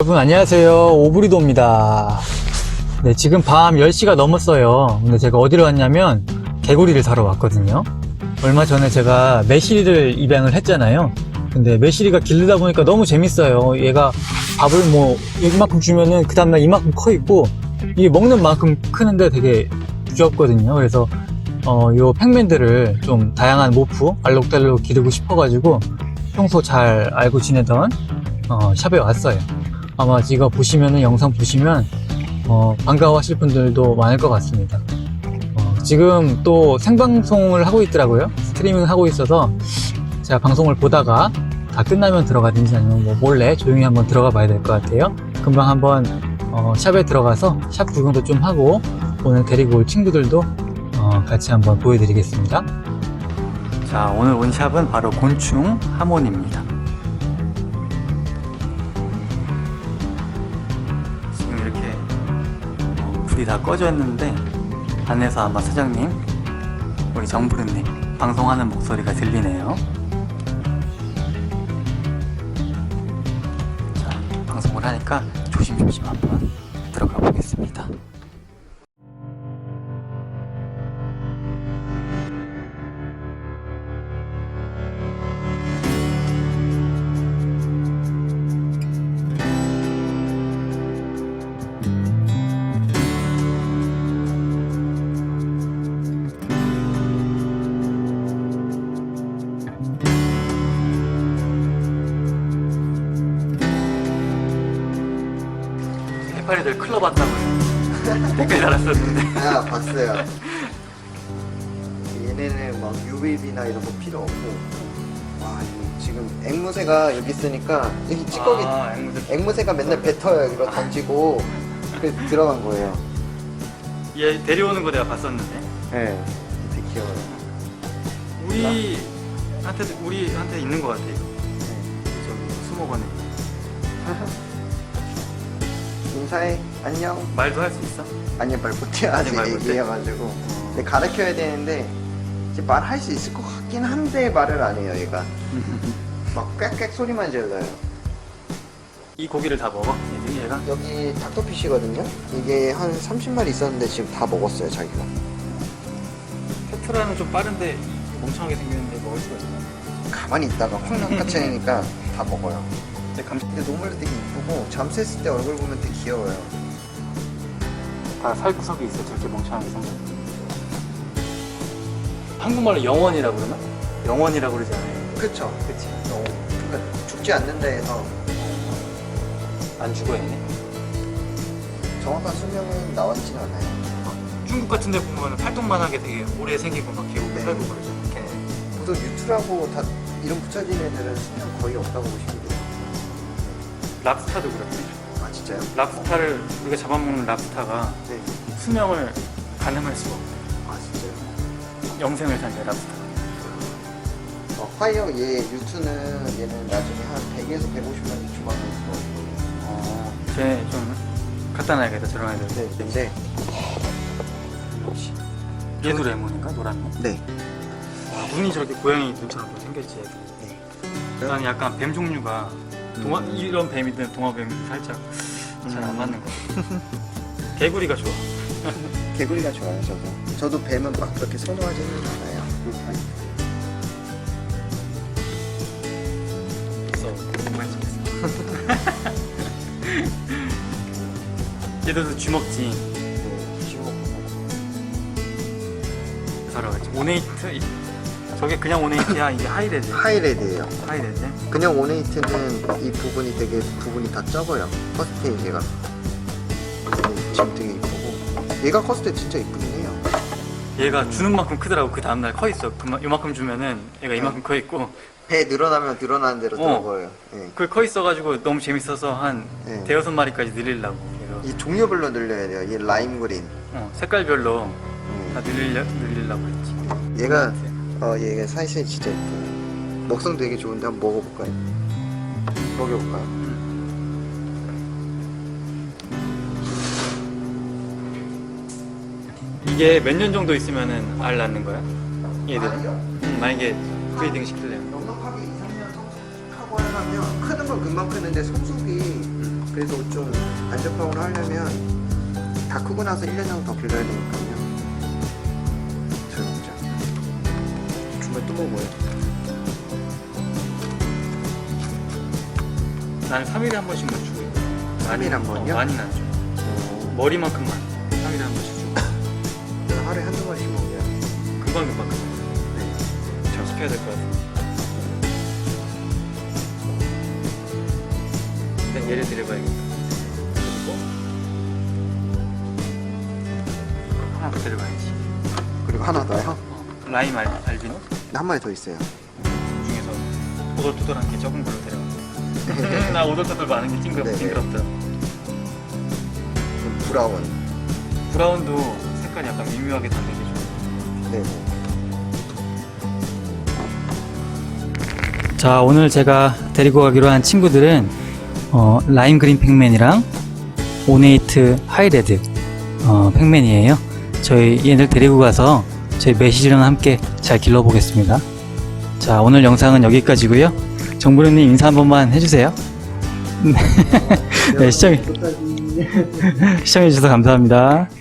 여러분 안녕하세요, 오브리도입니다. 네, 지금 밤 10시가 넘었어요. 근데 제가 어디로 왔냐면 개구리를 사러 왔거든요. 얼마 전에 제가 매실이를 입양을 했잖아요. 근데 매실이가 기르다 보니까 너무 재밌어요. 얘가 밥을 뭐 이만큼 주면은 그 다음날 이만큼 커 있고, 이게 먹는 만큼 크는데 되게 귀엽거든요. 그래서 요 팩맨들을 좀 다양한 모프, 알록달록 기르고 싶어가지고 평소 잘 알고 지내던 샵에 왔어요. 아마 이거 보시면은, 영상 보시면 반가워하실 분들도 많을 것 같습니다. 지금 또 생방송을 하고 있더라고요. 스트리밍을 하고 있어서 제가 방송을 보다가 다 끝나면 들어가든지 아니면 뭐 몰래 조용히 한번 들어가 봐야 될 것 같아요. 금방 한번 샵에 들어가서 샵 구경도 좀 하고, 오늘 데리고 올 친구들도 같이 한번 보여드리겠습니다. 자, 오늘 온 샵은 바로 곤충 하모니입니다. 지금 이렇게 불이 다 꺼져 있는데 안에서 아마 사장님, 우리 정부르님 방송하는 목소리가 들리네요. 자, 방송을 하니까 조심조심 한번 들어가 보겠습니다. 해파리들 클럽 왔다고요. 댓글 달았었는데. 아, 봤어요. 얘네는 막 UVB나 이런 거 필요 없고. 와, 이거 지금 앵무새가 여기 있으니까 여기 찌꺼기. 앵무새가 맨날 뱉어요. 이거 던지고. 그래서 들어간 거예요. 얘 데려오는 거 내가 봤었는데. 네, 되게 귀여워요. 우리한테 있는 것 같아 이거. 저기 수목원에. 인사해. 안녕. 말도 할 수 있어? 아니, 말 못해요. 아직 말 못해? 애기여가지고. 근데 가르쳐야 되는데 이제 말할 수 있을 것 같긴 한데 말을 안 해요, 얘가. 막 꽥꽥 소리만 질러요. 이 고기를 다 먹어? 얘가? 여기 닥터피쉬거든요? 이게 한 30마리 있었는데 지금 다 먹었어요, 자기가. 테트라는 좀 빠른데 멍청하게 생겼는데 먹을 수가 있나? 가만히 있다가 확 낚아채니까 다 먹어요. 근데 근데 노멀도 되게 이쁘고 잠수했을 때 얼굴 보면 되게 귀여워요. 다 살구석이 있어, 저렇게 멍청하게 생겼어. 한국말로 영원이라고 그러나? 영원이라고 그러지 않아요? 그쵸? 그치? 그러니까 죽지 않는다 해서 안 죽어 얘네? 정확한 수명은 나왔진 않아요. 중국 같은 데 보면 활동만하게 되게 오래 생기고 막 계곡에 네. 살고 그러죠. 보통 유투라고 다 이름 붙여진 애들은 수명 거의 없다고 보시면 돼요. 랍스타도 그렇대. 아, 진짜요? 랍스타를 우리가 잡아먹는 랍스타가 네. 수명을 가늠할 수가 없대. 아, 진짜요? 영생을 산대, 랍스타가. 화이어 얘 유투는 얘는 나중에 한 100에서 150마리 조만간 있을 것 같아요. 쟤좀 갖다 놔야겠다, 저런 애들. 네, 근데 얘도 레몬인가? 노란 거? 네. 눈이 저렇게 고양이 눈처럼 생겼지. 네. 나는 약간 뱀 종류가 이런 뱀이든 동화뱀이든 살짝 잘 안 맞는 거 같아. 개구리가 좋아. 개구리가 좋아요, 저도. 저도 뱀은 막 그렇게 선호하지는 않아요. 그래서 정말 좋겠어. 얘들도 쥐먹지. 사러 갔지. 오네이트? 저게 그냥 오네이트야? 이게 하이레드? 하이레드예요. 하이레드? 그냥 오네이트는 이 부분이 부분이 다 적어요. 퍼스테이지가. 지금 되게 이쁘고. 얘가 컸을 때 진짜 이쁘긴 해요. 얘가 주는 만큼 크더라고. 그 다음날 커 있어. 요만큼 주면은 얘가 이만큼 커 있고. 배 늘어나면 늘어나는 대로 들어가요. 네. 그 커 있어가지고 너무 재밌어서 한 네. 대여섯 마리까지 늘리려고. 이 종류별로 늘려야 돼요. 얘 라임 그린. 색깔별로 다 늘리려고 했지. 얘가 얘가 사이즈 진짜 예뻐요. 먹성 되게 좋은데 한번 먹어볼까요? 먹여볼까요? 이게 몇 년 정도 있으면은 알 낳는 거야? 얘들은? 알이요? 만약에 브리딩 시키려면. 넉넉하게 2, 3년 성숙하고 하려면 크는 건 금방 크는데 성숙이 그 그래서 좀 안전빵으로 하려면 다 크고 나서 1년 정도 더 길러야 되니까요. 잘 먹자. 주말 또 먹어요. 난 3일에 한 번씩만 주고. 3일에 한 번이요? 많이는 안 줘. 머리만큼만 3일에 한 번씩 주고. 저는 하루에 한두 번씩 먹어요. 금방. 네. 시켜야 될 것 같아. 일단 얘를 데려가야겠다. 그리고 하나 더 데려가야지. 그리고 하나 더요? 라임 알비노? 한 마리 더 있어요. 중에서 오돌토돌한 게 적은 걸로 데려가. 나 오돌토돌 많은 게 네네. 징그럽다. 브라운. 브라운도 색깔이 약간 미묘하게 다르게 줘. 네. 자, 오늘 제가 데리고 가기로 한 친구들은 라임 그린 팩맨이랑 오네이트 하이레드 팩맨이에요. 저희 얘들 데리고 가서 저희 매실이랑 함께 잘 길러보겠습니다. 자, 오늘 영상은 여기까지고요. 정부령님 인사 한 번만 해주세요. 네, 시청해주셔서 감사합니다.